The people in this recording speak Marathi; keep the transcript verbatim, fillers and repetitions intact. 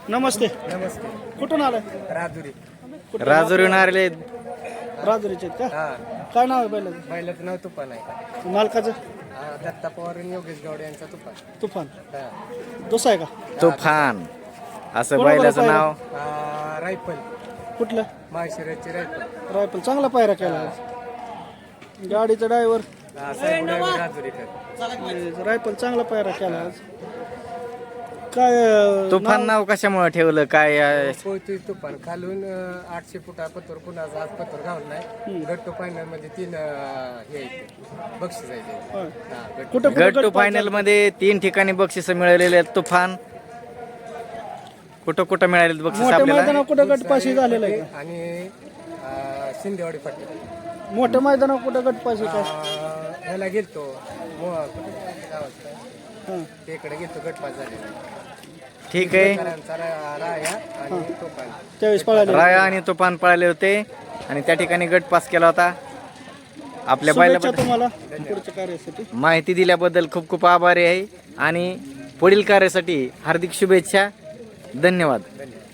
नमस्ते. नमस्ते. कुठून आलाय? राजुरी. राजुरीहून आले. राजुरीचे आहेत का? हा. काय नाव आहे बैलाचं? बैलाचं नाव तुफान आहे. मालकाचं? हा, दत्ता पवार आणि योगेश गौड यांचा तुफान. तुफान. हा. दुसरा आहे का? तुफान असं कोणाबरोबर बैलाचं पाहिलं? नाव. आ, रायफल. कुठलं? माहेशिराची रायफल. रायफल चांगला पायरा केला आज. गाडीचा ड्रायव्हर हा, साहेब राजुरीकर. रायफल चांगला पायरा केला आज. काय अं, तुफान नाव- नाव कशामुळे ठेवलं काय अं, पोहतोय तुफान खालून अं, आठशे फुटा पत्तर कुणाचा आज पत्तर घाललाय. गट्टू फायनल मध्ये तीन अं, हे आहेत, बक्षीस आहे ते. होय. हा, गट्टू. कुठं गट कुठं टू गट फायनल मध्ये तीन ठिकाणी बक्षीस मिळालेले आहेत. तुफान कुठं कुठं मिळाले बक्षीस मोठ्या आपल्याला? मैदानावर कुठं गटपाशी झालेला आहे का? आणि अं, शिंदेवाडी फाटी. मोठ्या मैदानावर कुठं गटपाशी काय? अं, ह्याला गेलतो मो- कुठं ते गावात काय? हां. ते इकडे गेलतो गटपास झालेला. ठीक आहे. करांचा रा- राया आणि तुफान. त्यावेळेस पळाले. राया आणि तुफान पळाले होते आणि त्या ठिकाणी गट पास केला होता. आपल्या शुभेच्छा बैलाबद्दल तुम्हाला पुढच्या कार्यासाठी. माहिती दिल्याबद्दल खूप खूप आभारी आहे आणि पुढील कार्यासाठी हार्दिक शुभेच्छा. धन्यवाद. धन्यवाद.